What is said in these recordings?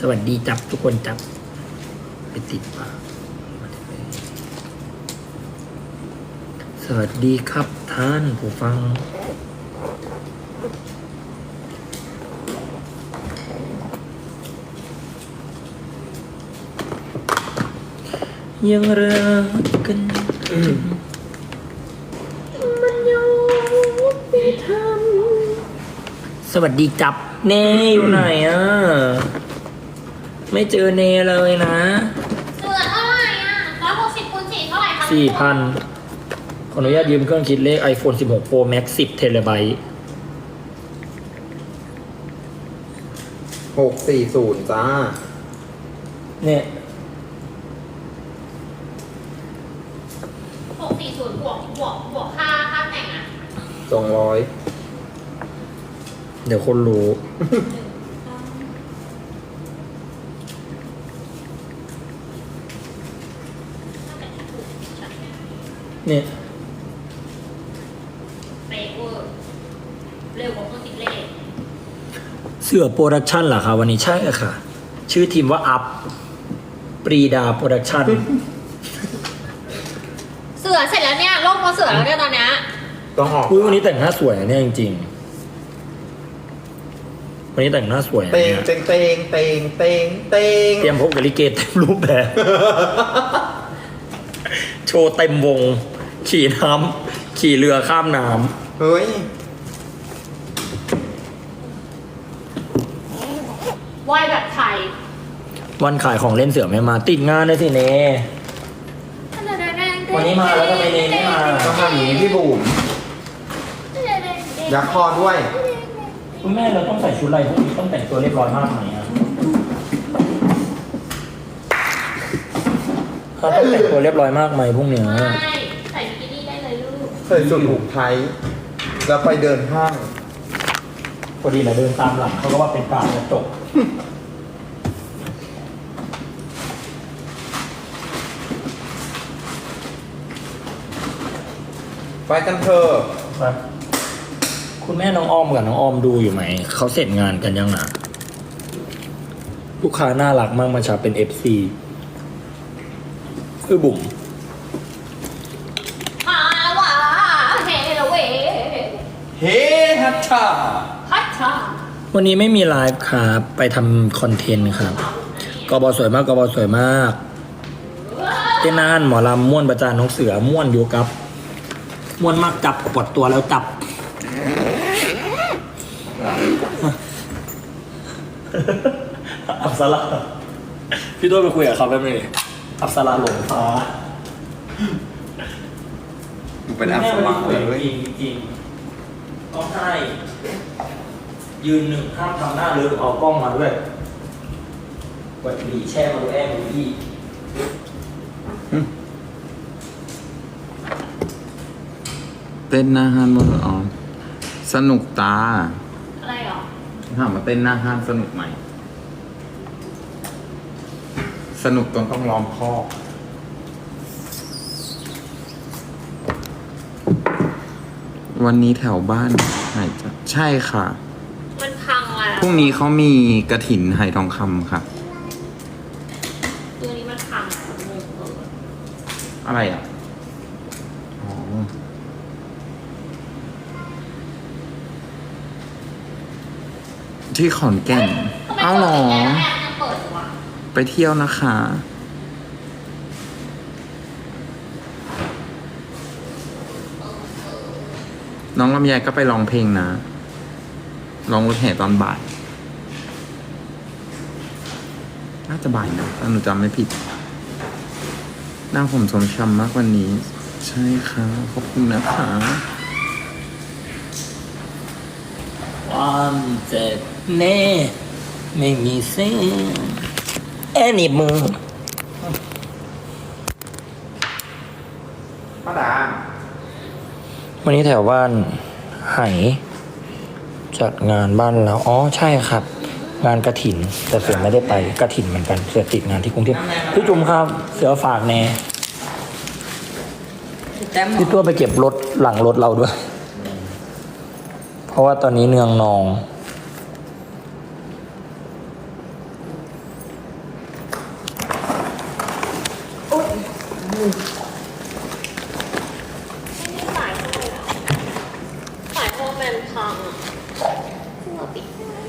สวัสดีจับทุกคนจับไปติดปากสวัสดีครับท่านผู้ฟังยังรักกันมันยอมไปทำสวัสดีจับเนอยู่ไหนอ่ะไม่เจอเนเลยนะเสือเท่าไหร่อ่ะ160 คูณ 4เท่าไหร่คะ 4,000 ขออนุญาตยืมเครื่องคิดเลข iPhone 16 Pro Max 10 เทราไบต์ 640จ้าเนี่ย 640บวกค่าแต่งอ่ะ 200 เดี๋ยวคนรู้ เนี่ยเป๊ะเวอร์เร็วกว่าเครื่องคิดเลขเสือโปรดักชั่นเหรอคะวันนี้ใช่ค่ะ ชื่อทีมว่าอัพปรีดาโปรดักชั่นเสือเสร็จแล้วเนี่ยโลกพอเสือแล้วเนี่ยตอนเนี้ยต้องออกอุ้ยวันนี้แต่งหน้าสวยอะเนี่ยจริงๆวันนี้แต่งหน้าสวยอะเตงเนี่ยเตงเตงเตงเตงเตงเตรียมพบกับลิเกเต็มรูปแบบ โชว์เต็มวง ขี่น้ำขี่เรือข้ามน้เฮ้ยไหวแบบไทยำวันขายของเล่นเสือไม่มาติดงานเลยสิเน วันนี้มาแล้วทำไมเนไม่มาต้องทำอย่างนี้พี่บุ๋มยักคอด้วยคุณแม่เราต้องใส่ชุดอะไรพวกนี้ต้องแต่งตัวเรียบร้อยมากไหมอะเขาต้องแต่งตัวเรียบร้อยมากไหมพวกเนี้ยใช่ใส่บิกินี่ได้เลยลูกใส่สูทผูกไทยแล้วไปเดินห้างพอดีนะเดินตามหลังเขาก็ว่าเป็นการกระจกไปกันเถอะคุณแม่น้องออมกับน้องออมดูอยู่ไหมเขาเสร็จงานกันยังนะลูกค้าน่ารักมากมาชาเป็น FC คือบุ๋มฮาละวะเฮละเวเฮ้ฮัทชาฮัทชาวันนี้ไม่มีไลฟ์ครับไปทำคอนเทนต์ครับกบสวยมากกบสวยมากเต้นนานหมอลำม่วนประจานน้องเสือม่วนอยู่กับม่วนมากจับปวดตัวแล้วจับ อับสราพี่ตัวไปคุยกับเขาแป๊บนึงอับสราหลงฟ้าดูเป็นอัพสมาร์ทเลยจริงจริงต้องให้ยืนหนึ่งห้ามทำหน้าเลิกเอากล้องมาด้วยกดบีแช่มาดูแอบดูพี่เต้นหน้าห้างมั้งอ๋อสนุกตาอะไรหรอถามมาเต้นหน้าห้างสนุกไหม สนุกจนต้องล้อมคอกวันนี้แถวบ้านไหนจะใช่ค่ะมันพังแล้วพรุ่งนี้เขามีกระถินไหทองคำค่ะตัวนี้มันพังงงเลยอะไรอ่ะ อ๋อ ที่ขอนแก่น เอ้าเหรอแอร์ยังเปิดอยู่อ่ะไปเที่ยวนะคะ น้องลำไยก็ไปร้องเพลงนะ ร้องรถแห่ตอนบ่าย น่าจะบ่ายนะถ้าหนูจำไม่ผิด หน้าผมสมช้ำมากวันนี้ ใช่ค่ะ ขอบคุณนะคะความเจ็บแน่ไม่มีเส้นแอนี่มือป้าดาวันนี้แถวบ้านไหจัดงานบ้านแล้วอ๋อใช่ครับ งานกระถิน แต่เสือไม่ได้ไปกระถินเหมือนกันเสือติดงานที่กรุงเทพพี่จุ๋มครับ เสือฝากแน่พี่ตัวไปเก็บรถหลังรถเราด้วย เพราะว่าตอนนี้เนืองนอง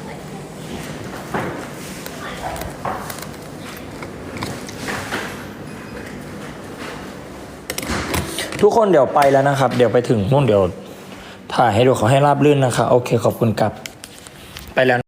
ทุกคนเดี๋ยวไปแล้วนะครับ เดี๋ยวไปถึงนู่นเดี๋ยวถ่ายให้ดูขอให้ราบรื่นนะคะโอเคขอบคุณครับไปแล้วนะ